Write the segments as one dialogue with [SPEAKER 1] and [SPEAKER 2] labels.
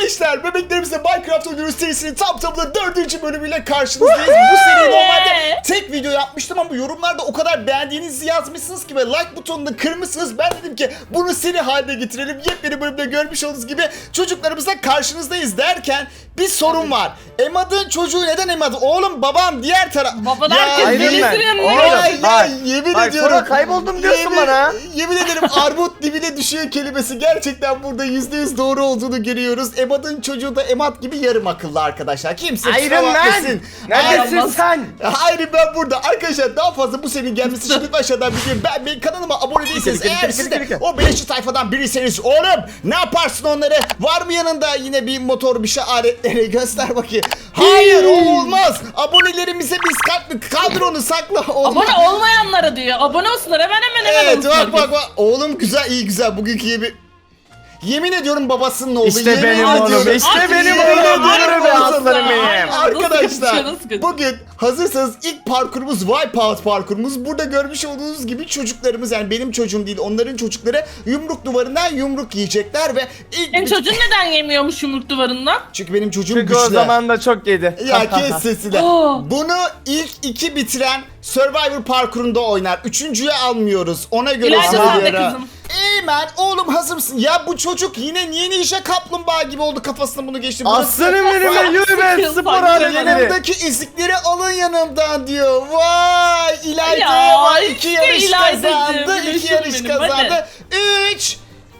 [SPEAKER 1] Gençler, bebeklerimizle Minecraft oynuyoruz serisinin tam tamına 4. bölümüyle karşınızdayız. Bu seriyi normalde tek video yapmıştım ama yorumlarda o kadar beğendiğinizi yazmışsınız ki ve like butonunu kırmışsınız. Ben dedim ki bunu seri haline getirelim. Yepyeni bölümde görmüş olduğunuz gibi çocuklarımızla karşınızdayız derken bir sorun var. Emad'ın çocuğu neden Emad? Oğlum babam diğer taraf.
[SPEAKER 2] Baban herkes bilisinin yanına
[SPEAKER 1] Ya yemin ediyorum.
[SPEAKER 3] Sonra kayboldum diyorsun bana.
[SPEAKER 1] Yemin ederim armut dibine düşüyor kelimesi gerçekten burada %100 doğru olduğunu görüyoruz. Emad'ın çocuğu da Emad gibi yarım akıllı arkadaşlar. Kimse kusura
[SPEAKER 3] Iron Man.
[SPEAKER 1] bakmasın.
[SPEAKER 3] Neredesin sen?
[SPEAKER 1] Hayır ben burada. Arkadaşlar daha fazla bu serinin gelmesi için lütfen aşağıdan videoyu beğenmeyi, kanalıma abone değilseniz eğer siz de o beleşçi tayfadan biriyseniz oğlum ne yaparsın onları? Var mı yanında yine bir motor bir şey aletleri göster bakayım. Hayır o olmaz. Abonelerimize biz kaldır onu sakla. Olmaz.
[SPEAKER 2] Abone olmayanlara diyor. Abone olsunlar hemen
[SPEAKER 1] Evet
[SPEAKER 2] olsunlar.
[SPEAKER 1] bak. Oğlum güzel iyi güzel bugünkü gibi. Yemin ediyorum babasının oğlu.
[SPEAKER 3] İşte
[SPEAKER 1] yemin
[SPEAKER 3] benim
[SPEAKER 1] ediyorum.
[SPEAKER 3] oğlum, işte
[SPEAKER 1] Yemin
[SPEAKER 3] benim
[SPEAKER 1] ediyorum
[SPEAKER 3] oğlum. Yürü be
[SPEAKER 1] babasının.
[SPEAKER 3] aslanım benim.
[SPEAKER 1] Arkadaşlar
[SPEAKER 2] Nasıl kötü?
[SPEAKER 1] bugün hazırsanız ilk parkurumuz Wipeout parkurumuz. Burada görmüş olduğunuz gibi çocuklarımız yani benim çocuğum değil onların çocukları yumruk duvarından yumruk yiyecekler ve ilk
[SPEAKER 2] Senin çocuğun neden yemiyormuş yumruk duvarından?
[SPEAKER 1] çünkü benim çocuğum
[SPEAKER 3] Çünkü
[SPEAKER 1] güçlü.
[SPEAKER 3] o zaman da çok yedi.
[SPEAKER 1] Ya kes sesini.
[SPEAKER 2] Oo.
[SPEAKER 1] Bunu ilk 2 bitiren Survivor parkurunda oynar. Üçüncüye almıyoruz. Ona göre
[SPEAKER 2] İlayda sen de
[SPEAKER 1] söylüyorum.
[SPEAKER 2] kızım.
[SPEAKER 1] Eymen oğlum hazır mısın? Ya bu çocuk yine niye ninja kaplumbağa gibi oldu kafasına bunu geçti. Burası-
[SPEAKER 3] Aslanım benim be, yürü be
[SPEAKER 2] Sıkıl,
[SPEAKER 3] spor
[SPEAKER 2] sanki
[SPEAKER 3] aletleri.
[SPEAKER 1] Yanımdaki ezikleri alın yanımdan diyor. Vay İlayda'ya
[SPEAKER 2] Ya,
[SPEAKER 1] var.
[SPEAKER 2] işte
[SPEAKER 1] 2 yarış
[SPEAKER 2] İlayda'cığım,
[SPEAKER 1] kazandı. 2
[SPEAKER 2] gülüşüm
[SPEAKER 1] yarış
[SPEAKER 2] benim,
[SPEAKER 1] kazandı. 3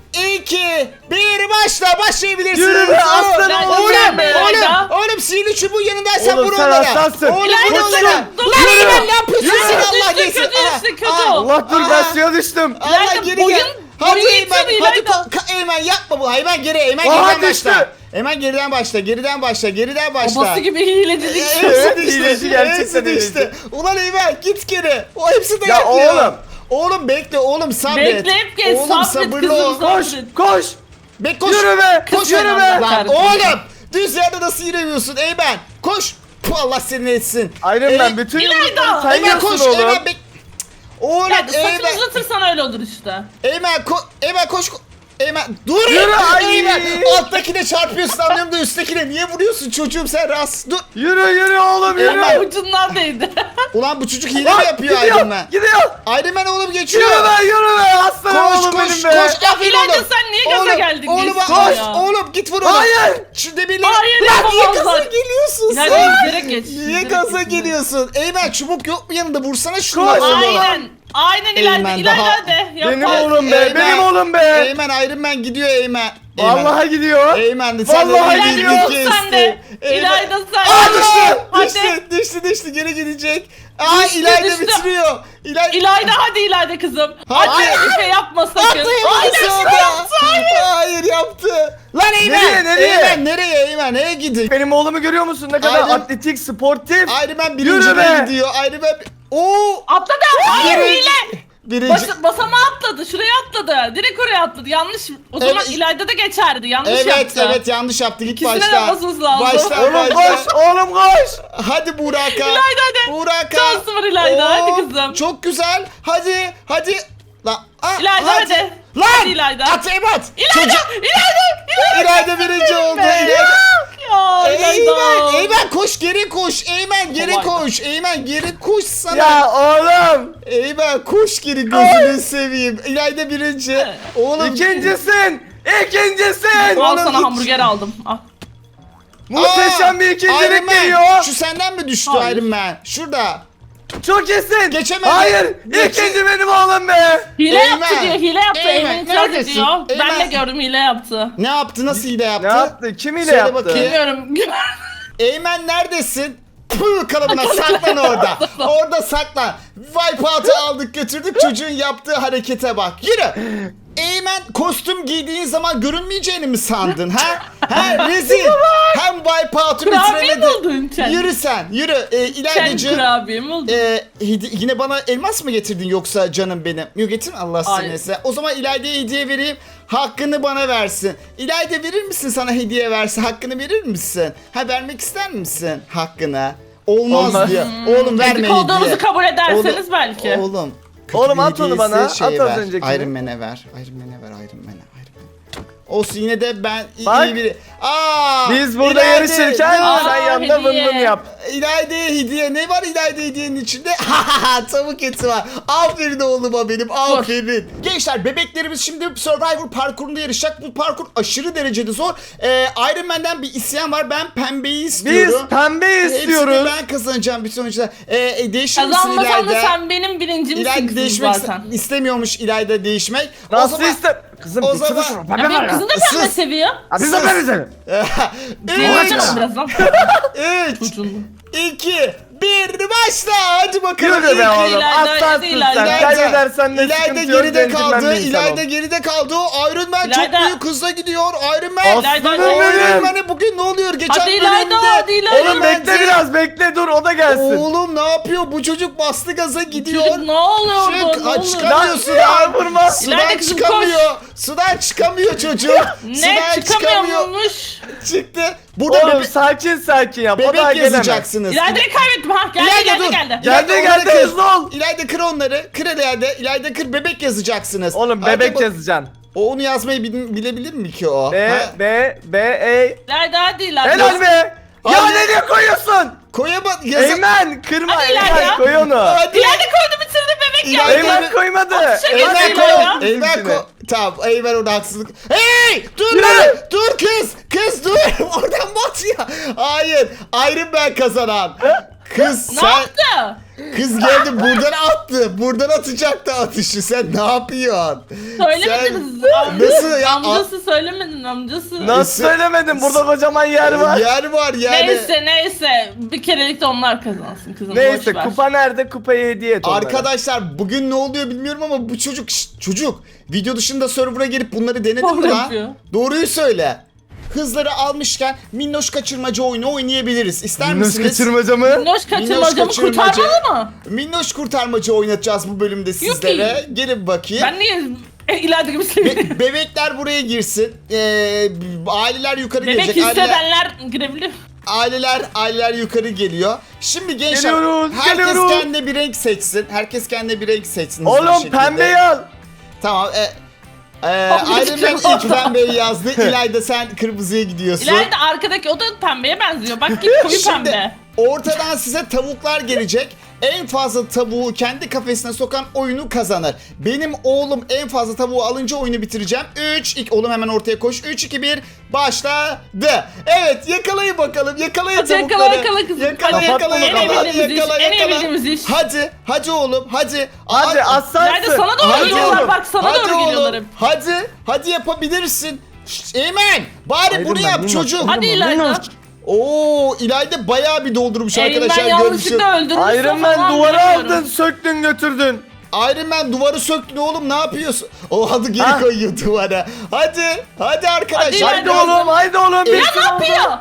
[SPEAKER 1] 2 1 başlayabilirsin.
[SPEAKER 3] Yürü be aslanım
[SPEAKER 2] oğlum,
[SPEAKER 1] Oğlum
[SPEAKER 2] be,
[SPEAKER 1] oğlum
[SPEAKER 2] İlayda.
[SPEAKER 1] oğlum sihirli çubuğun yanındaysan
[SPEAKER 3] Oğlum,
[SPEAKER 1] vur
[SPEAKER 3] sen
[SPEAKER 1] onlara.
[SPEAKER 3] aslansın.
[SPEAKER 1] Oğlum
[SPEAKER 2] İlayda,
[SPEAKER 1] vur onlara.
[SPEAKER 2] dur,
[SPEAKER 1] Lan
[SPEAKER 3] yürü.
[SPEAKER 1] Eymen ne yapıyorsun
[SPEAKER 2] Yürü.
[SPEAKER 1] sen Allah
[SPEAKER 2] Düştü,
[SPEAKER 1] geçsin.
[SPEAKER 2] kötü.
[SPEAKER 3] Allah dur ben suya düştüm.
[SPEAKER 1] Allah
[SPEAKER 2] İlayda,
[SPEAKER 1] geri
[SPEAKER 2] boyun-
[SPEAKER 1] gel. Hadi
[SPEAKER 2] boyun
[SPEAKER 1] Eymen,
[SPEAKER 2] yetiyor
[SPEAKER 1] hadi
[SPEAKER 2] İlayda.
[SPEAKER 1] Eymen yapma bu. Eymen geri, Eymen
[SPEAKER 3] Aha,
[SPEAKER 1] geriden
[SPEAKER 3] düştü.
[SPEAKER 1] başla. Eymen geriden başla.
[SPEAKER 2] Babası gibi hilecilik.
[SPEAKER 1] Evet işte,
[SPEAKER 3] İyileci, gerçekten
[SPEAKER 1] hepsi de
[SPEAKER 3] iyileci.
[SPEAKER 1] işte. Ulan Eymen git geri. O hepsi de
[SPEAKER 3] Ya
[SPEAKER 1] yapıyor.
[SPEAKER 3] oğlum.
[SPEAKER 1] Oğlum bekle oğlum sabret.
[SPEAKER 2] Bekleyip geç,
[SPEAKER 1] Oğlum
[SPEAKER 2] sabret
[SPEAKER 1] sabırlı
[SPEAKER 2] kızım,
[SPEAKER 1] ol.
[SPEAKER 3] Koş koş.
[SPEAKER 1] Koş.
[SPEAKER 3] Yürü be,
[SPEAKER 1] Koş
[SPEAKER 3] yürü
[SPEAKER 1] yürü
[SPEAKER 3] be.
[SPEAKER 1] Lan
[SPEAKER 2] Kardeşim.
[SPEAKER 1] oğlum. Düz yerde nasıl yürüyorsun Eymen? Koş. Puh, Allah seni etsin.
[SPEAKER 3] Iron Man bütün
[SPEAKER 2] İlayda.
[SPEAKER 3] yumrukları
[SPEAKER 1] Eymen
[SPEAKER 3] sayıyorsun
[SPEAKER 1] koş.
[SPEAKER 3] oğlum.
[SPEAKER 1] Eymen bek... Oğlum
[SPEAKER 2] Yani saçını
[SPEAKER 1] Eymen.
[SPEAKER 2] uzatırsan öyle olur işte.
[SPEAKER 1] Eymen koş. Eymen dur.
[SPEAKER 3] Yürü, ay.
[SPEAKER 1] Eymen. Alttakine çarpıyorsun anlıyorum da üsttekine niye vuruyorsun çocuğum sen rast. Dur.
[SPEAKER 3] Yürü oğlum yürü.
[SPEAKER 1] Eymen.
[SPEAKER 2] Ucundan değdi.
[SPEAKER 1] Ulan bu çocuk hile mi yapıyor
[SPEAKER 3] gidiyor,
[SPEAKER 1] Iron Man?
[SPEAKER 3] gidiyor.
[SPEAKER 1] Iron Man oğlum geçiyor.
[SPEAKER 3] Yürü be aslanım
[SPEAKER 1] Koş
[SPEAKER 3] oğlum
[SPEAKER 1] koş
[SPEAKER 3] benim be.
[SPEAKER 1] koş. Aferin
[SPEAKER 2] İlayda,
[SPEAKER 1] oğlum.
[SPEAKER 2] sen niye gaza
[SPEAKER 1] Oğlum,
[SPEAKER 2] geldin?
[SPEAKER 1] Oğlum
[SPEAKER 2] Geçsin
[SPEAKER 1] koş.
[SPEAKER 2] ya.
[SPEAKER 1] Oğlum git vur onu.
[SPEAKER 3] Hayır.
[SPEAKER 1] Şu demirle.
[SPEAKER 2] Hayır,
[SPEAKER 1] Lan niye
[SPEAKER 2] yapamazlar.
[SPEAKER 1] gaza geliyorsun
[SPEAKER 2] İlayda
[SPEAKER 1] sen?
[SPEAKER 2] yüzerek geç.
[SPEAKER 1] Niye
[SPEAKER 2] yüzerek
[SPEAKER 1] gaza
[SPEAKER 2] geç.
[SPEAKER 1] geliyorsun? Eymen çubuk yok mu yanında? Vursana şunu.
[SPEAKER 3] Koş.
[SPEAKER 2] Aynen
[SPEAKER 1] Eymen
[SPEAKER 2] İlayda.
[SPEAKER 1] daha-
[SPEAKER 2] İlayda hadi.
[SPEAKER 3] Benim
[SPEAKER 2] Yapar.
[SPEAKER 3] oğlum be,
[SPEAKER 1] Eymen.
[SPEAKER 3] benim oğlum be.
[SPEAKER 1] Eymen Iron Man gidiyor Eymen.
[SPEAKER 3] Vallahi gidiyor.
[SPEAKER 1] Eymen sen de
[SPEAKER 3] Vallahi
[SPEAKER 1] beni
[SPEAKER 3] gidiyor.
[SPEAKER 1] bir
[SPEAKER 2] Tut sen de. İlayda sen.
[SPEAKER 1] Aa düştü.
[SPEAKER 2] Hadi.
[SPEAKER 1] Düştü geri gidecek. Aa
[SPEAKER 2] Düştü,
[SPEAKER 1] İlayda
[SPEAKER 2] düştü.
[SPEAKER 1] bitiriyor.
[SPEAKER 2] İlayda hadi İlayda kızım.
[SPEAKER 1] Hadi.
[SPEAKER 2] Hadi bir şey yapma sakın.
[SPEAKER 1] Atlayamadı sonra. Hayır yaptı. Lan Eymen.
[SPEAKER 3] Nereye?
[SPEAKER 1] Eymen nereye Neye gidiyor?
[SPEAKER 3] Benim oğlumu görüyor musun? Ne kadar
[SPEAKER 1] Aynen.
[SPEAKER 3] atletik, sportif.
[SPEAKER 1] Iron Man
[SPEAKER 3] Yürü
[SPEAKER 1] birinciliğe
[SPEAKER 3] be.
[SPEAKER 1] gidiyor. Iron Man... Oo.
[SPEAKER 2] Atladı. Hayır hile.
[SPEAKER 1] Birinci.
[SPEAKER 2] Basamağa atladı. Şuraya atladı. Direkt oraya atladı. Yanlış. O zaman
[SPEAKER 1] Evet.
[SPEAKER 2] İlayda da geçerdi. Yanlış
[SPEAKER 1] Evet
[SPEAKER 2] yaptı.
[SPEAKER 1] yanlış yaptı. Git
[SPEAKER 2] İkisine de
[SPEAKER 1] başla.
[SPEAKER 2] basmamız lazım.
[SPEAKER 1] Başla
[SPEAKER 3] Oğlum koş, oğlum koş.
[SPEAKER 1] Hadi Buraka.
[SPEAKER 2] İlayda hadi.
[SPEAKER 1] Buraka.
[SPEAKER 2] Şansı var İlayda, hadi kızım.
[SPEAKER 1] Çok güzel. Hadi. Lan.
[SPEAKER 2] İlayda hadi.
[SPEAKER 1] Lan.
[SPEAKER 2] Hadi İlayda.
[SPEAKER 1] At Ebat.
[SPEAKER 2] İlayda.
[SPEAKER 1] İlayda birinci oldu.
[SPEAKER 2] Ya İlayda.
[SPEAKER 1] Eymen koş geri koş. Eymen geri
[SPEAKER 2] Kolay.
[SPEAKER 1] koş. Eymen geri koş sana.
[SPEAKER 3] Ya oğlum.
[SPEAKER 1] Eymen koş geri gözünü seveyim. İlayda birinci. Oğlum.
[SPEAKER 3] İkincisin. İkincisin.
[SPEAKER 2] Al
[SPEAKER 1] Oğlum,
[SPEAKER 2] sana
[SPEAKER 1] hiç-
[SPEAKER 2] hamburger aldım. Al.
[SPEAKER 3] Muhteşem bir
[SPEAKER 1] Iron
[SPEAKER 3] ikincilik
[SPEAKER 1] Man,
[SPEAKER 3] geliyor.
[SPEAKER 1] Şu senden mi düştü
[SPEAKER 2] Hayır.
[SPEAKER 1] Iron Man? Şurada.
[SPEAKER 3] Çok iyisin.
[SPEAKER 1] Geçemedi.
[SPEAKER 3] Hayır.
[SPEAKER 1] Geçe-
[SPEAKER 3] İkinci benim oğlum be.
[SPEAKER 2] Hile
[SPEAKER 1] Eymen.
[SPEAKER 2] yaptı diyor. Hile yaptı.
[SPEAKER 1] Eymen,
[SPEAKER 2] Eymen itiraz
[SPEAKER 1] neredesin?
[SPEAKER 2] ediyor. Ben de
[SPEAKER 1] Eymen.
[SPEAKER 2] gördüm hile yaptı.
[SPEAKER 1] Ne yaptı? Nasıl hile yaptı?
[SPEAKER 3] Ne yaptı? Kim ile
[SPEAKER 1] Söyle
[SPEAKER 3] yaptı?
[SPEAKER 1] bakayım.
[SPEAKER 2] Bilmiyorum.
[SPEAKER 1] Eymen neredesin? Pıh kalıbına saklan orada. Orada saklan. Wipeout'u aldık götürdük çocuğun yaptığı harekete bak. Yürü. Eymen kostüm giydiğin zaman görünmeyeceğini mi sandın ha? Ha rezil. Hem Wipeout'u
[SPEAKER 2] Kurabiye mi
[SPEAKER 1] bitiremedi.
[SPEAKER 2] oldun sen?
[SPEAKER 1] Yürü sen yürü.
[SPEAKER 2] Sen
[SPEAKER 1] İlaydacığım.
[SPEAKER 2] kurabiye mi oldun?
[SPEAKER 1] Yine bana elmas mı getirdin yoksa canım benim? Yok getirme Allah
[SPEAKER 2] Hayır.
[SPEAKER 1] seni. O zaman İlayda'ya hediye vereyim. Hakkını bana versin. İlayda verir misin sana hediye versin? Hakkını verir misin? Ha vermek ister misin hakkını? Olmaz diyor. Oğlum verme
[SPEAKER 2] Ezik
[SPEAKER 1] hediye.
[SPEAKER 2] olduğunuzu kabul ederseniz
[SPEAKER 1] Oğlum,
[SPEAKER 2] belki.
[SPEAKER 1] Oğlum. kötü
[SPEAKER 3] Oğlum
[SPEAKER 1] bir
[SPEAKER 3] at onu
[SPEAKER 1] hediyesi
[SPEAKER 3] bana,
[SPEAKER 1] şeye
[SPEAKER 3] at az
[SPEAKER 1] ver.
[SPEAKER 3] öncekini.
[SPEAKER 1] Iron Man'e ver. Iron Man'e ver. Iron Man'e. Olsun yine de ben
[SPEAKER 3] Bak.
[SPEAKER 1] iyi biri. Aa,
[SPEAKER 3] Biz burada
[SPEAKER 1] İlayda,
[SPEAKER 3] yarışırken
[SPEAKER 1] dur.
[SPEAKER 3] sen yanında vın
[SPEAKER 2] hediye.
[SPEAKER 3] vın yap.
[SPEAKER 1] İlayda'ya hediye. Ne var İlayda hediyenin içinde? Tavuk eti var. Aferin oğluma benim. Aferin. Gençler bebeklerimiz şimdi Survivor parkurunda yarışacak. Bu parkur aşırı derecede zor. Iron Man'den bir isyan var. Ben pembeyi
[SPEAKER 3] Biz
[SPEAKER 1] istiyorum.
[SPEAKER 3] pembe
[SPEAKER 1] Hepsini
[SPEAKER 3] istiyoruz.
[SPEAKER 1] ben kazanacağım bütün oyuncular. Değişir misin
[SPEAKER 2] Kazanmasam da
[SPEAKER 1] İlayda?
[SPEAKER 2] sen benim birincimsin
[SPEAKER 1] İlayda
[SPEAKER 2] kızım
[SPEAKER 1] değişmek
[SPEAKER 2] zaten.
[SPEAKER 1] istemiyormuş İlayda değişmek. O
[SPEAKER 3] Nasıl
[SPEAKER 1] zaman-
[SPEAKER 3] iste? Kızım
[SPEAKER 1] o
[SPEAKER 3] gitsene
[SPEAKER 1] zaman-
[SPEAKER 3] şuna.
[SPEAKER 2] Ya
[SPEAKER 3] Pembe
[SPEAKER 2] benim
[SPEAKER 3] var
[SPEAKER 2] kızım
[SPEAKER 3] ya.
[SPEAKER 2] da pembe
[SPEAKER 1] Sus.
[SPEAKER 2] seviyor.
[SPEAKER 3] Abi biz de pembe seviyoruz.
[SPEAKER 2] Kaçalım birazdan.
[SPEAKER 1] 3,
[SPEAKER 2] Çocuğun.
[SPEAKER 1] 2, 1 başla. Hadi bakalım.
[SPEAKER 3] Yürü be
[SPEAKER 1] İlk-
[SPEAKER 3] oğlum.
[SPEAKER 2] İlayda,
[SPEAKER 3] Aslansın
[SPEAKER 2] İlayda.
[SPEAKER 3] sen.
[SPEAKER 1] İlayda,
[SPEAKER 3] Kaybedersen de
[SPEAKER 1] İlayda
[SPEAKER 3] sıkıntı yok.
[SPEAKER 1] geride
[SPEAKER 3] Centilmen
[SPEAKER 1] kaldı.
[SPEAKER 3] bir insan
[SPEAKER 1] İlayda
[SPEAKER 3] ol.
[SPEAKER 1] geride kaldı. O Iron Man çok
[SPEAKER 2] İlayda.
[SPEAKER 1] büyük hızla gidiyor. Iron Man.
[SPEAKER 3] Aslanım
[SPEAKER 1] Iron
[SPEAKER 3] benim.
[SPEAKER 1] Man'e bugün ne oluyor? Geçen
[SPEAKER 2] Hadi İlayda,
[SPEAKER 1] bölümde
[SPEAKER 2] hadi İlayda.
[SPEAKER 3] Oğlum bekle biraz bekle dur o da gelsin.
[SPEAKER 1] Oğlum ne yapıyor? Bu çocuk bastı gaza gidiyor.
[SPEAKER 2] Çocuk ne oluyor
[SPEAKER 1] Çık,
[SPEAKER 2] orada? Ne
[SPEAKER 1] aç
[SPEAKER 2] oluyor?
[SPEAKER 1] çıkamıyor
[SPEAKER 3] Lan,
[SPEAKER 1] sudan.
[SPEAKER 3] ya vurma.
[SPEAKER 1] Sudan
[SPEAKER 2] İlayda kızım,
[SPEAKER 1] çıkamıyor. Sudan çıkamıyor çocuk.
[SPEAKER 2] Ne
[SPEAKER 1] Sudan
[SPEAKER 2] çıkamıyormuş?
[SPEAKER 1] Çıktı. Burada
[SPEAKER 3] Oğlum
[SPEAKER 1] bebek,
[SPEAKER 3] sakin sakin yap. O daha
[SPEAKER 1] bebek
[SPEAKER 3] gelemez.
[SPEAKER 1] yazacaksınız.
[SPEAKER 2] İlayda'yı kaybettim ha. Geldi
[SPEAKER 1] İlayda
[SPEAKER 2] geldi
[SPEAKER 1] dur.
[SPEAKER 2] geldi.
[SPEAKER 3] Geldi,
[SPEAKER 1] İlayda
[SPEAKER 3] geldi,
[SPEAKER 1] onları kır.
[SPEAKER 3] hızlı ol.
[SPEAKER 1] İlayda kır onları. Kır İlayda. İlayda kır bebek yazacaksınız.
[SPEAKER 3] Oğlum
[SPEAKER 1] Hadi
[SPEAKER 3] bebek
[SPEAKER 1] bak-
[SPEAKER 3] yazacaksın.
[SPEAKER 1] O onu yazmayı bilebilir mi ki o?
[SPEAKER 3] B,
[SPEAKER 1] Ha?
[SPEAKER 3] B, E.
[SPEAKER 2] İlayda hadi İlayda.
[SPEAKER 3] Helal be. Ya
[SPEAKER 1] Hadi.
[SPEAKER 3] nereye koyuyorsun?
[SPEAKER 1] Koyama
[SPEAKER 3] Eymen kırma
[SPEAKER 2] Hadi
[SPEAKER 3] Eymen
[SPEAKER 2] İlayda.
[SPEAKER 3] koy onu.
[SPEAKER 1] Hadi.
[SPEAKER 2] İlayda koydu bitirdi bebek
[SPEAKER 1] İlayda-
[SPEAKER 2] geldi.
[SPEAKER 3] Eymen koymadı.
[SPEAKER 2] Atışa
[SPEAKER 1] Eymen
[SPEAKER 2] geçti
[SPEAKER 1] koy.
[SPEAKER 2] ya.
[SPEAKER 1] Eymen koy. Tamam Eymen orada haksızlık. Hey! Dur
[SPEAKER 3] Yürü.
[SPEAKER 1] lan! Dur kız! Kız dur! Oradan bat ya. Hayır. Iron Man kazanan. Kız
[SPEAKER 2] Ne
[SPEAKER 1] sen...
[SPEAKER 2] yaptı?
[SPEAKER 1] Kız geldi buradan attı. Buradan atacaktı atışı. Sen ne yapıyorsun?
[SPEAKER 2] Söylemediniz.
[SPEAKER 1] Nasıl ya?
[SPEAKER 2] Amcası söylemedin amcası.
[SPEAKER 3] Nasıl söylemedin? Burada kocaman yer var.
[SPEAKER 1] Yer var yani.
[SPEAKER 2] Neyse bir kerelik de onlar kazansın kızım.
[SPEAKER 3] Neyse
[SPEAKER 2] boş ver.
[SPEAKER 3] kupa nerede? Kupayı hediye et onlara.
[SPEAKER 1] Arkadaşlar bugün ne oluyor bilmiyorum ama bu çocuk çocuk video dışında server'a gelip bunları denedin mi
[SPEAKER 2] Doğru
[SPEAKER 1] lan?
[SPEAKER 2] yapıyor.
[SPEAKER 1] Doğruyu söyle. Hızları almışken minnoş kaçırmaca oyunu oynayabiliriz. İster
[SPEAKER 3] Minnoş
[SPEAKER 1] misiniz?
[SPEAKER 3] kaçırmaca mı?
[SPEAKER 2] Minnoş kaçırmacamı
[SPEAKER 1] kaçırmaca.
[SPEAKER 2] kurtarmalı mı?
[SPEAKER 1] Minnoş kurtarmaca oynatacağız bu bölümde sizlere. Gelin bakayım.
[SPEAKER 2] Ben niye İlayda gibi seviyorum?
[SPEAKER 1] Bebekler buraya girsin. Aileler yukarı
[SPEAKER 2] Bebek
[SPEAKER 1] gelecek.
[SPEAKER 2] hissedenler girebilir.
[SPEAKER 1] Aileler yukarı geliyor. Şimdi gençler
[SPEAKER 3] Geliyoruz,
[SPEAKER 1] herkes
[SPEAKER 3] geliyoruz.
[SPEAKER 1] kendine bir renk seçsin. Herkes kendine bir renk seçsin. hızlı bir
[SPEAKER 3] Oğlum
[SPEAKER 1] şekilde.
[SPEAKER 3] pembeyi al.
[SPEAKER 1] Tamam.
[SPEAKER 2] Abi,
[SPEAKER 1] Iron Man
[SPEAKER 2] çıkıyor.
[SPEAKER 1] ilk pembeyi yazdı. İlayda sen kırmızıya gidiyorsun.
[SPEAKER 2] İlayda arkadaki o da pembeye benziyor. Bak git koyu
[SPEAKER 1] Şimdi
[SPEAKER 2] pembe.
[SPEAKER 1] ortadan size tavuklar gelecek. En fazla tavuğu kendi kafesine sokan oyunu kazanır. Benim oğlum en fazla tavuğu alınca oyunu bitireceğim. 3, 2, oğlum hemen ortaya koş. 3, 2, 1, başladı. Evet yakalayın bakalım. Yakalayın
[SPEAKER 2] Hadi yakala
[SPEAKER 1] tavukları.
[SPEAKER 2] bakalım kızım.
[SPEAKER 1] Yakala
[SPEAKER 2] Hadi.
[SPEAKER 1] yakala
[SPEAKER 3] En
[SPEAKER 1] yakala.
[SPEAKER 2] iyi bildiğimiz
[SPEAKER 1] Yakala
[SPEAKER 2] iş, en iyi
[SPEAKER 1] yakala.
[SPEAKER 2] bildiğimiz iş.
[SPEAKER 1] Hadi oğlum hadi.
[SPEAKER 3] Hadi
[SPEAKER 1] Ay-
[SPEAKER 3] aslansın.
[SPEAKER 2] İlayda sana doğru
[SPEAKER 1] Hadi
[SPEAKER 2] geliyorlar.
[SPEAKER 1] oğlum,
[SPEAKER 2] Bak sana
[SPEAKER 1] hadi
[SPEAKER 2] doğru
[SPEAKER 1] oğlum,
[SPEAKER 2] geliyorlar hep.
[SPEAKER 1] Hadi yapabilirsin. Şşt, Eymen bari
[SPEAKER 3] Iron
[SPEAKER 1] bunu
[SPEAKER 3] Man,
[SPEAKER 1] yap
[SPEAKER 3] Minnoş.
[SPEAKER 1] çocuk.
[SPEAKER 2] Hadi İlayda.
[SPEAKER 1] Oo İlayda bayağı bir doldurmuş arkadaşlar
[SPEAKER 2] Eymen
[SPEAKER 1] görmüşüm.
[SPEAKER 2] yanlışlıkla öldürmüş.
[SPEAKER 3] Iron Man duvarı aldın söktün götürdün.
[SPEAKER 1] Iron Man duvarı söktün oğlum ne yapıyorsun? O adı geri
[SPEAKER 3] Ha?
[SPEAKER 1] koyuyor duvara. Hadi arkadaşlar.
[SPEAKER 2] Hadi
[SPEAKER 3] Haydi oğlum.
[SPEAKER 2] Ya
[SPEAKER 3] bitir
[SPEAKER 2] ne
[SPEAKER 3] oldu.
[SPEAKER 2] yapıyor?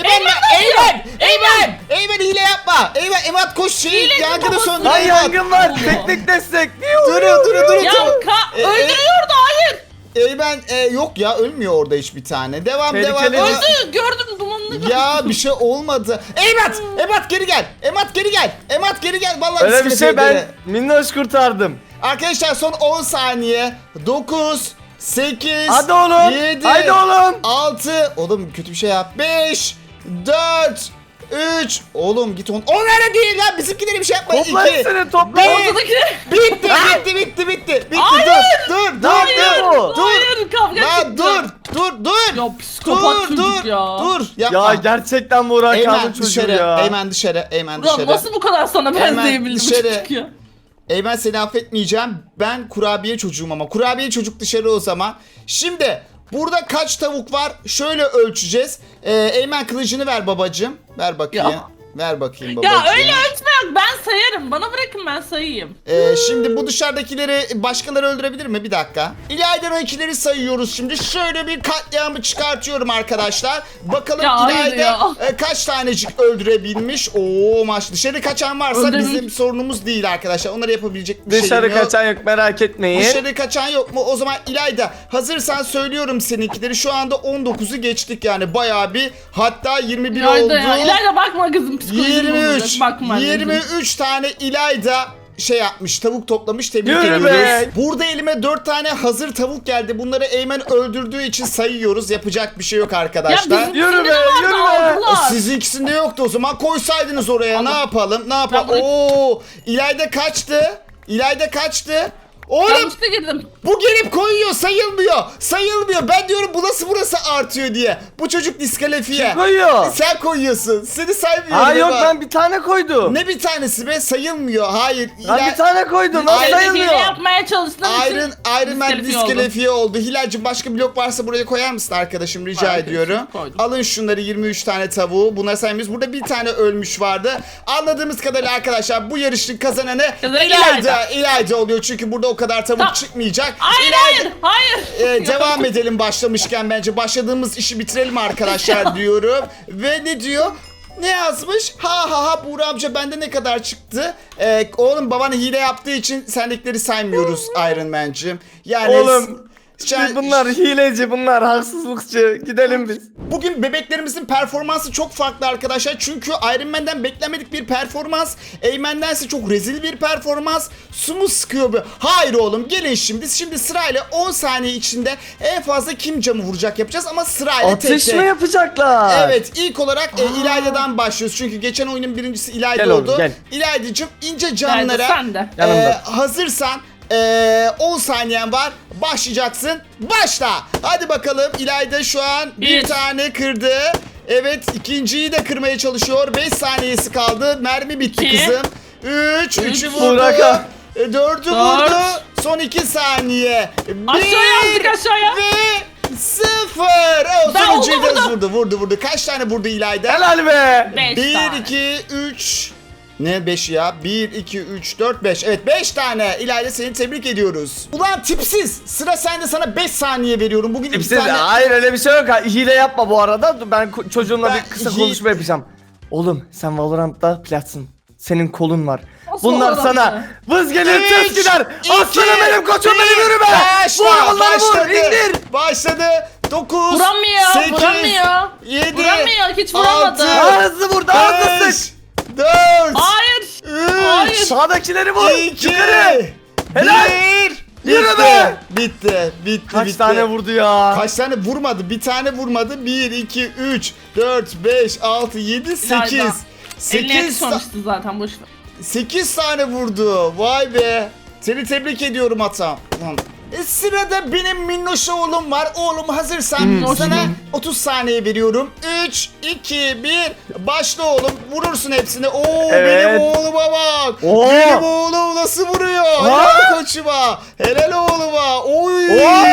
[SPEAKER 1] Eymen hile yapma. Eymen Emat koş şeyi
[SPEAKER 2] Hilenin
[SPEAKER 1] yangını
[SPEAKER 2] kafası.
[SPEAKER 1] söndür
[SPEAKER 3] Lan
[SPEAKER 1] Emat.
[SPEAKER 3] yangın var. Teknik destek.
[SPEAKER 1] Durun.
[SPEAKER 2] Ya öldürüyordu hayır.
[SPEAKER 1] Eymen yok ya ölmüyor orada hiçbir tane. Devam.
[SPEAKER 3] Tehlikeli.
[SPEAKER 2] Öldü gördüm dumanını gördüm.
[SPEAKER 1] Ya bir şey olmadı. Emat geri gel. Emat geri gel. Vallahi
[SPEAKER 3] Öyle bir
[SPEAKER 1] bisiklet
[SPEAKER 3] şey ben
[SPEAKER 1] evleri.
[SPEAKER 3] minnoş kurtardım.
[SPEAKER 1] Arkadaşlar son 10 saniye. 9 8
[SPEAKER 3] Hadi oğlum.
[SPEAKER 1] 7
[SPEAKER 3] Haydi oğlum.
[SPEAKER 1] 6 Oğlum kötü bir şey yap. 5 4 3 Oğlum git on. Onlara değil lan bizimkileri bir şey yapma.
[SPEAKER 3] Topla
[SPEAKER 1] 2
[SPEAKER 3] hepsini topla.
[SPEAKER 1] Bir.
[SPEAKER 2] Ortadaki.
[SPEAKER 1] Bitti.
[SPEAKER 2] Hayır.
[SPEAKER 1] Dur.
[SPEAKER 2] Hayır kavga
[SPEAKER 1] Lan
[SPEAKER 2] çıktı.
[SPEAKER 1] dur.
[SPEAKER 2] Ya psikopat çocuk ya.
[SPEAKER 1] Dur. Yapma.
[SPEAKER 3] Ya gerçekten Burak
[SPEAKER 1] Eymen
[SPEAKER 3] Kağan'ın çocuğu
[SPEAKER 1] dışarı.
[SPEAKER 3] ya.
[SPEAKER 1] Eymen dışarı.
[SPEAKER 2] Ulan nasıl bu kadar sana
[SPEAKER 1] Hemen
[SPEAKER 2] benzeyebildim
[SPEAKER 1] dışarı.
[SPEAKER 2] çocuk ya.
[SPEAKER 1] Eymen seni affetmeyeceğim. Ben kurabiye çocuğum ama. Kurabiye çocuk dışarı o zaman. Şimdi burada kaç tavuk var? Şöyle ölçeceğiz. Eymen kılıcını ver babacığım. Ver bakayım.
[SPEAKER 2] Ya.
[SPEAKER 1] Ver bakayım babacığım.
[SPEAKER 2] Ya öyle ölçme yok ben sayarım. Bana bırakın ben sayayım.
[SPEAKER 1] Şimdi bu dışarıdakileri başkaları öldürebilir mi? Bir dakika. İlayda'dakileri sayıyoruz şimdi. Şöyle bir katliamı çıkartıyorum arkadaşlar. Bakalım
[SPEAKER 2] Ya hayır
[SPEAKER 1] İlayda
[SPEAKER 2] ya.
[SPEAKER 1] kaç tanecik öldürebilmiş. Oo maç dışarı kaçan varsa
[SPEAKER 2] Öldürmüş.
[SPEAKER 1] bizim sorunumuz değil arkadaşlar. Onları yapabilecek bir şey
[SPEAKER 3] Dışarı
[SPEAKER 1] yok.
[SPEAKER 3] kaçan yok merak etmeyin.
[SPEAKER 1] Dışarı kaçan yok mu? O zaman İlayda hazırsan söylüyorum seninkileri. Şu anda 19'u geçtik yani bayağı bir. Hatta 21 oldu.
[SPEAKER 2] İlayda ya. İlayda bakma kızım psikolojim bozulacak.
[SPEAKER 1] 23.
[SPEAKER 2] Bakma anneciğim.
[SPEAKER 1] 23 tane İlayda şey yapmış, tavuk toplamış, tebrik
[SPEAKER 3] Yürü
[SPEAKER 1] ediyoruz.
[SPEAKER 3] be.
[SPEAKER 1] Burada elime 4 tane hazır tavuk geldi. Bunları Eymen öldürdüğü için sayıyoruz. Yapacak bir şey yok
[SPEAKER 2] Ya
[SPEAKER 1] arkadaşlar.
[SPEAKER 2] bizim
[SPEAKER 3] Yürü
[SPEAKER 2] ikisinde
[SPEAKER 3] be,
[SPEAKER 2] de vardı,
[SPEAKER 3] yürü be.
[SPEAKER 2] aldılar.
[SPEAKER 1] Sizinkisinde yoktu o zaman. Koysaydınız oraya. Ne yapalım? Ne yapalım?
[SPEAKER 2] Ben bunu-
[SPEAKER 1] Oo! İlayda kaçtı. İlayda kaçtı. Oğlum
[SPEAKER 2] Yanlışlıkla girdim.
[SPEAKER 1] bu gelip koyuyor, sayılmıyor. Sayılmıyor. Ben diyorum burası artıyor diye. Bu çocuk diskalifiye.
[SPEAKER 3] Kim koyuyor?
[SPEAKER 1] Sen koyuyorsun. Seni saymıyorum.
[SPEAKER 3] Aa yok
[SPEAKER 1] Eva.
[SPEAKER 3] ben bir tane koydum.
[SPEAKER 1] Ne bir tanesi be? Sayılmıyor. Hayır.
[SPEAKER 3] Ben bir tane koydum. Nasıl
[SPEAKER 1] Ay-
[SPEAKER 2] Hile
[SPEAKER 3] sayılmıyor?
[SPEAKER 2] yapmaya çalıştığım için
[SPEAKER 1] Iron Man
[SPEAKER 2] diskalifiye oldum.
[SPEAKER 1] diskalifiye oldu. Hilal'cim başka blok varsa buraya koyar mısın arkadaşım? Rica
[SPEAKER 2] Var,
[SPEAKER 1] ediyorum.
[SPEAKER 2] koydum.
[SPEAKER 1] Alın şunları 23 tane tavuğu. Bunları saymıyoruz. Burada bir tane ölmüş vardı. Anladığımız kadarıyla arkadaşlar bu yarışın kazananı
[SPEAKER 2] Kazanan
[SPEAKER 1] İlayda oluyor. Çünkü burada o kadar tavuk
[SPEAKER 2] Tamam.
[SPEAKER 1] çıkmayacak.
[SPEAKER 2] Hayır
[SPEAKER 1] İlayda-
[SPEAKER 2] hayır.
[SPEAKER 1] Devam edelim başlamışken bence. Başladığımız işi bitirelim arkadaşlar diyorum. Ve ne diyor? Ne yazmış? Ha Buğra amca bende ne kadar çıktı? Oğlum baban hile yaptığı için sendekileri saymıyoruz Iron Man'cim. Yani
[SPEAKER 3] Oğlum,
[SPEAKER 1] sen-
[SPEAKER 3] Bunlar hileci, bunlar haksızlıkçı. Gidelim biz.
[SPEAKER 1] Bugün bebeklerimizin performansı çok farklı arkadaşlar. Çünkü Iron Man'den beklenmedik bir performans. Eymen'dense çok rezil bir performans. Su mu sıkıyor bu? Hayır oğlum gelin şimdi. Şimdi sırayla 10 saniye içinde en fazla kim camı vuracak yapacağız ama sırayla tek
[SPEAKER 3] Atış
[SPEAKER 1] tek.
[SPEAKER 3] mı yapacaklar?
[SPEAKER 1] Evet ilk olarak İlayda'dan başlıyoruz. Çünkü geçen oyunun birincisi İlayda
[SPEAKER 3] Gel oğlum,
[SPEAKER 1] oldu.
[SPEAKER 3] gel.
[SPEAKER 1] İlayda'cığım ince
[SPEAKER 2] Nerede
[SPEAKER 1] camlara
[SPEAKER 2] sen de?
[SPEAKER 3] Yanımda.
[SPEAKER 1] hazırsan 10 saniyen var. Başlayacaksın. Başla. Hadi bakalım İlayda şu an bir
[SPEAKER 2] Bir.
[SPEAKER 1] tane kırdı. Evet ikinciyi de kırmaya çalışıyor. 5 saniyesi kaldı. Mermi bitti
[SPEAKER 2] İki.
[SPEAKER 1] kızım. 3. 3'ü vurdu.
[SPEAKER 3] Buraka.
[SPEAKER 1] 4'ü
[SPEAKER 2] Dört.
[SPEAKER 1] vurdu. Son 2 saniye.
[SPEAKER 2] Aşağıya attık, aşağıya.
[SPEAKER 1] Ve 0.
[SPEAKER 2] Ben
[SPEAKER 1] Sonuncuyu da
[SPEAKER 2] vurdu.
[SPEAKER 1] vurdu. Kaç tane vurdu İlayda?
[SPEAKER 3] Helal be.
[SPEAKER 2] 5
[SPEAKER 1] 1,
[SPEAKER 2] tane.
[SPEAKER 1] 2, 3. Ne 5 ya? 1, 2, 3, 4, 5. Evet 5 tane. İlayda seni tebrik ediyoruz. Ulan tipsiz. Sıra sende, sana 5 saniye veriyorum. Bugün 2
[SPEAKER 3] Tipsiz.
[SPEAKER 1] tane.
[SPEAKER 3] Hayır öyle bir şey yok. Hile yapma bu arada. Dur, ben çocuğumla
[SPEAKER 1] Ben
[SPEAKER 3] bir kısa
[SPEAKER 1] hi-
[SPEAKER 3] konuşma yapacağım. Oğlum sen Valorant'ta platsın. Senin kolun var.
[SPEAKER 2] Nasıl
[SPEAKER 3] Bunlar
[SPEAKER 2] Valorant'ta?
[SPEAKER 3] sana vız gelir
[SPEAKER 1] Üç,
[SPEAKER 3] ters gider.
[SPEAKER 1] iki,
[SPEAKER 3] Aslanım benim koçum benim yürü be.
[SPEAKER 1] Başla.
[SPEAKER 3] Vur bunları vur
[SPEAKER 1] Başladı.
[SPEAKER 3] indir.
[SPEAKER 1] Başladı. 9,
[SPEAKER 2] Vuramıyor,
[SPEAKER 1] 8,
[SPEAKER 2] vuramıyor.
[SPEAKER 1] 7,
[SPEAKER 2] Vuramıyor, hiç vuramadı.
[SPEAKER 3] Daha hızlı vur daha hızlı
[SPEAKER 1] 5,
[SPEAKER 3] sık.
[SPEAKER 1] 4,
[SPEAKER 2] Hayır.
[SPEAKER 1] 3,
[SPEAKER 2] Hayır.
[SPEAKER 3] Sağdakileri vur.
[SPEAKER 1] 2,
[SPEAKER 3] Yukarı. Helal.
[SPEAKER 1] 1.
[SPEAKER 3] Yürü be.
[SPEAKER 1] Bitti.
[SPEAKER 3] Kaç tane vurdu ya?
[SPEAKER 1] Kaç tane vurmadı? Bir tane vurmadı. 1, 2, 3, 4, 5, 6, 7, 8.
[SPEAKER 2] İlayda. Eline
[SPEAKER 1] 8,
[SPEAKER 2] yakışmamıştı zaten boş ver.
[SPEAKER 1] 8 tane vurdu. Vay be. Seni tebrik ediyorum atam. Lan. Sırada benim minnoş oğlum var. Oğlum hazırsan sana 30 saniye veriyorum. 3, 2, 1. Başla oğlum. Vurursun hepsini. Oo
[SPEAKER 3] Evet.
[SPEAKER 1] benim oğluma bak.
[SPEAKER 3] Oo.
[SPEAKER 1] Benim oğlum nasıl vuruyor? Helal koçuma. Helal oğluma. Oy.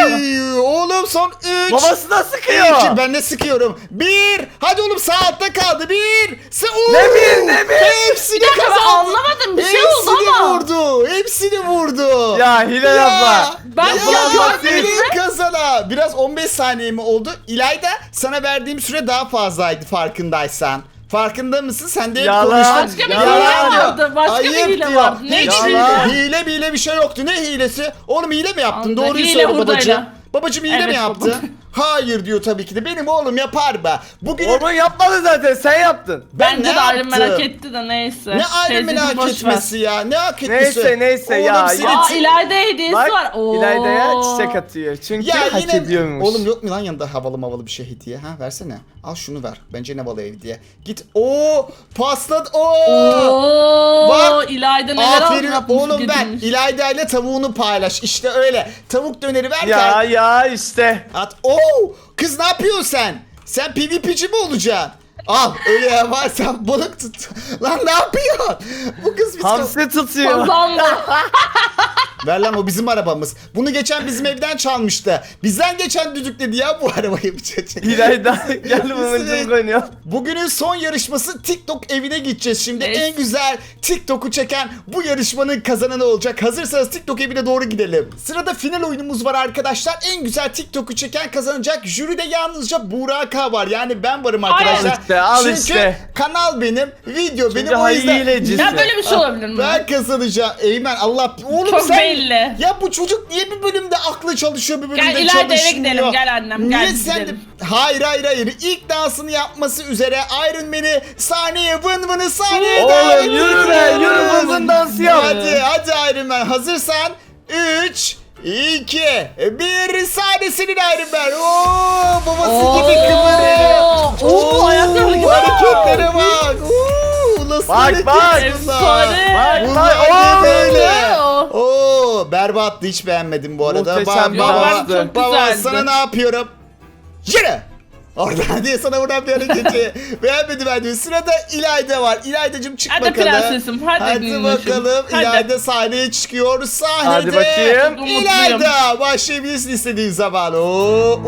[SPEAKER 1] Oğlum son 3.
[SPEAKER 3] Babası da sıkıyor.
[SPEAKER 1] 2. Ben de sıkıyorum. 1. Hadi oğlum sağ altta kaldı. 1.
[SPEAKER 3] Ne bir, ne bir?
[SPEAKER 1] Hepsini
[SPEAKER 2] dakika, ben
[SPEAKER 1] kazandı.
[SPEAKER 2] anlamadım, bir şey oldu ama.
[SPEAKER 1] Vurdu. Hepsini vurdu.
[SPEAKER 3] Ya hile yapma.
[SPEAKER 2] Ben
[SPEAKER 1] ya,
[SPEAKER 2] görmedim
[SPEAKER 1] ya, kazana. Biraz 15 saniye mi oldu? İlayda sana verdiğim süre daha fazlaydı farkındaysan. Farkında mısın? Sen de hep
[SPEAKER 3] Yalan.
[SPEAKER 1] konuştun.
[SPEAKER 2] Başka bir
[SPEAKER 3] Yalan
[SPEAKER 2] hile
[SPEAKER 3] diyor.
[SPEAKER 2] vardı. Başka bir
[SPEAKER 1] Ayıp
[SPEAKER 2] hile
[SPEAKER 1] diyor.
[SPEAKER 2] vardı. Ne
[SPEAKER 1] Hiç
[SPEAKER 3] Yalan.
[SPEAKER 1] hile bir şey yoktu. Ne hilesi? Oğlum hile mi yaptın?
[SPEAKER 2] Vallahi
[SPEAKER 1] Doğruyu
[SPEAKER 2] hile
[SPEAKER 1] söyle
[SPEAKER 2] hurdayla.
[SPEAKER 1] babacığım. Babacığım hile mi
[SPEAKER 2] Evet,
[SPEAKER 1] yaptı?
[SPEAKER 2] baba.
[SPEAKER 1] Hayır diyor tabii ki de. Benim oğlum yapar be. Bugün
[SPEAKER 3] Orman yapmadı zaten sen yaptın.
[SPEAKER 2] Bence
[SPEAKER 1] ne
[SPEAKER 2] de ayrım
[SPEAKER 1] yaptım?
[SPEAKER 2] merak etti de neyse.
[SPEAKER 1] Ne ayrı
[SPEAKER 2] Teyzeciğim,
[SPEAKER 1] merak
[SPEAKER 2] boş ver.
[SPEAKER 1] etmesi ya? Ne hak etmesi?
[SPEAKER 3] Neyse
[SPEAKER 1] Oğlum
[SPEAKER 3] ya,
[SPEAKER 1] seni
[SPEAKER 3] ya.
[SPEAKER 2] Aa İlayda hediyesi
[SPEAKER 3] Bak
[SPEAKER 2] var. Oo.
[SPEAKER 3] İlayda'ya çiçek atıyor. Çünkü
[SPEAKER 1] Ya
[SPEAKER 3] hak
[SPEAKER 1] yine
[SPEAKER 3] ediyormuş.
[SPEAKER 1] oğlum yok mu lan yanında havalı bir şey hediye ha versene. Al şunu ver. Bence ne havalı hediye. Git. Pasladı.
[SPEAKER 2] Oo.
[SPEAKER 1] Bak.
[SPEAKER 2] İlayda neler
[SPEAKER 1] Aferin
[SPEAKER 2] yapmış,
[SPEAKER 1] oğlum ver.
[SPEAKER 2] getirmiş.
[SPEAKER 1] İlayda ile tavuğunu paylaş. İşte öyle. Tavuk döneri verken
[SPEAKER 3] Ya işte.
[SPEAKER 1] at. Kız ne yapıyorsun sen? Sen PvP'ci mi olacaksın? Al öyle yaparsan balık tut. Lan ne yapıyorsun? Bu kız biz
[SPEAKER 3] Hamsi tutuyor.
[SPEAKER 2] Kazandı.
[SPEAKER 1] Ver lan o bizim arabamız. Bunu geçen bizim evden çalmıştı. Bizden geçen düdükledi ya bu arabayı bu çocuk.
[SPEAKER 3] İlayda gel momentum oynuyor.
[SPEAKER 1] Bugünün son yarışması TikTok evine gideceğiz şimdi.
[SPEAKER 2] Evet.
[SPEAKER 1] En güzel TikTok'u çeken bu yarışmanın kazananı olacak. Hazırsanız TikTok evine doğru gidelim. Sırada final oyunumuz var arkadaşlar. En güzel TikTok'u çeken kazanacak. Jüride yalnızca Buğra K var. Yani ben varım arkadaşlar.
[SPEAKER 3] Al
[SPEAKER 1] Çünkü
[SPEAKER 3] işte.
[SPEAKER 1] kanal benim, video benim o
[SPEAKER 3] hayır
[SPEAKER 1] yüzden.
[SPEAKER 3] hilecisin.
[SPEAKER 2] Ya böyle bir şey olabilir mi?
[SPEAKER 1] Ben kazanacağım. Eymen Allah. Oğlum
[SPEAKER 2] Çok
[SPEAKER 1] sen
[SPEAKER 2] belli.
[SPEAKER 1] Ya bu çocuk niye bir bölümde aklı çalışıyor, bir bölümde
[SPEAKER 2] Gel
[SPEAKER 1] çalışmıyor?
[SPEAKER 2] ileride eve gidelim, gel annem,
[SPEAKER 1] Niye
[SPEAKER 2] gel
[SPEAKER 1] sen de...
[SPEAKER 2] gidelim.
[SPEAKER 1] Hayır. İlk dansını yapması üzere Iron Man'i sahneye vın sahneye
[SPEAKER 3] Oğlum,
[SPEAKER 1] davet
[SPEAKER 3] yürü be,
[SPEAKER 1] ediyoruz.
[SPEAKER 3] yürü vın vın dansı yap.
[SPEAKER 1] Hadi Iron Man, hazırsan 3 2 1 sahnesinin Iron Man. Oo, babası gibi kıvırıyor.
[SPEAKER 2] Oo, ayakları hareket
[SPEAKER 1] hareketlere bak. Oo, nasıl
[SPEAKER 3] Bak,
[SPEAKER 1] hareket
[SPEAKER 3] bak.
[SPEAKER 1] bunlar?
[SPEAKER 2] Efsane.
[SPEAKER 1] Bunlar
[SPEAKER 3] Bak,
[SPEAKER 1] ne böyle?
[SPEAKER 2] Oo.
[SPEAKER 1] Oo, berbattı, hiç beğenmedim bu arada.
[SPEAKER 3] Muhteşem bir
[SPEAKER 1] Baba,
[SPEAKER 3] danstı.
[SPEAKER 2] Çok
[SPEAKER 1] baba
[SPEAKER 2] güzeldi.
[SPEAKER 1] sana ne yapıyorum? Yürü! Oradan diye sana buradan bir hareketi beğenmedim ben diyor. Sırada İlayda var. İlaydacığım çık
[SPEAKER 2] Hadi
[SPEAKER 1] bakalım.
[SPEAKER 2] prensesim, hadi minnoşum.
[SPEAKER 1] bakalım.
[SPEAKER 2] Hadi.
[SPEAKER 1] İlayda sahneye çıkıyor. Sahnede.
[SPEAKER 3] Hadi bakayım.
[SPEAKER 2] Mutluyum.
[SPEAKER 1] İlayda başlayabilirsin istediğin zaman. Oo.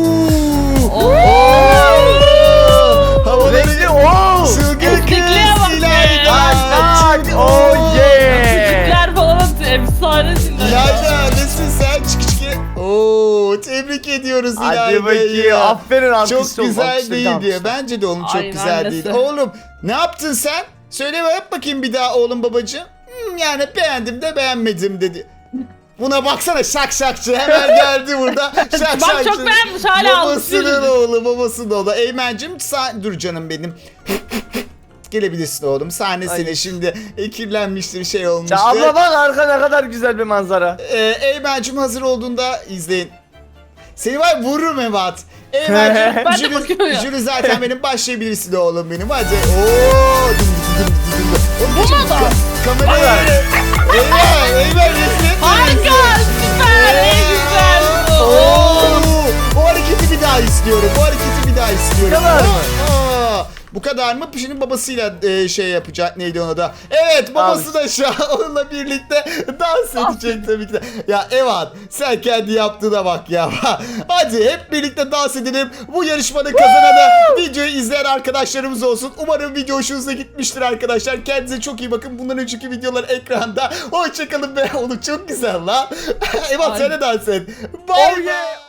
[SPEAKER 1] Havaları
[SPEAKER 3] Renkli, oo.
[SPEAKER 1] çılgın
[SPEAKER 2] Esnekliğe bak
[SPEAKER 1] kız
[SPEAKER 2] be.
[SPEAKER 1] İlayda.
[SPEAKER 3] Tak,
[SPEAKER 1] Çılgın-
[SPEAKER 3] oh yeah.
[SPEAKER 2] Küçükler falan efsanesin.
[SPEAKER 1] İlayda nesin sen? Çık. Oo, tebrik ediyoruz
[SPEAKER 3] Hadi
[SPEAKER 1] İlayda'yı.
[SPEAKER 3] bakayım. Aferin alkış.
[SPEAKER 1] Çok güzel değil diyor. Bence de oğlum çok
[SPEAKER 2] Aynen
[SPEAKER 1] güzel
[SPEAKER 2] annesi.
[SPEAKER 1] değil. Oğlum ne yaptın sen? Söyle yap bakayım bir daha oğlum babacığım. Yani beğendim de beğenmedim dedi. Buna baksana şakşakçı hemen geldi burada. Şakşakçı.
[SPEAKER 2] Bak çok beğenmiş, hala
[SPEAKER 1] Babasının
[SPEAKER 2] almış.
[SPEAKER 1] oğlu, babasının oğlu. Eymen'cim dur canım benim. Gelebilirsin oğlum. Sahne
[SPEAKER 3] Ay.
[SPEAKER 1] seni şimdi kirlenmiştir, şey olmuştur.
[SPEAKER 3] Ya abla bak arka ne kadar güzel bir manzara.
[SPEAKER 1] Eymen'cim hazır olduğunda izleyin. Seni var vururum Evat. Eymen'cim
[SPEAKER 2] Ben de bakıyorum ya.
[SPEAKER 1] Jüri zaten benim, başlayabilirsin oğlum benim, hadi. Ooo.
[SPEAKER 2] Bu mu da?
[SPEAKER 1] Kamerayı. Eymen rezil.
[SPEAKER 2] Harika, süper, en güzel.
[SPEAKER 1] O hareketi bir daha istiyorum.
[SPEAKER 3] Bu kadar mı?
[SPEAKER 1] Bu kadar mı? Şimdi babasıyla şey yapacak. Neydi ona da? Evet, babası da şu an onunla birlikte dans edecek tabii ki de. Ya Evan, sen kendi yaptığına bak ya. Hadi hep birlikte dans edelim. Bu yarışmanın kazananı videoyu izleyen arkadaşlarımız olsun. Umarım video hoşunuza gitmiştir arkadaşlar. Kendinize çok iyi bakın. Bundan önceki videolar ekranda. Hoşçakalın be. Oğlum çok güzel lan. Evan sen de dans et. Bye.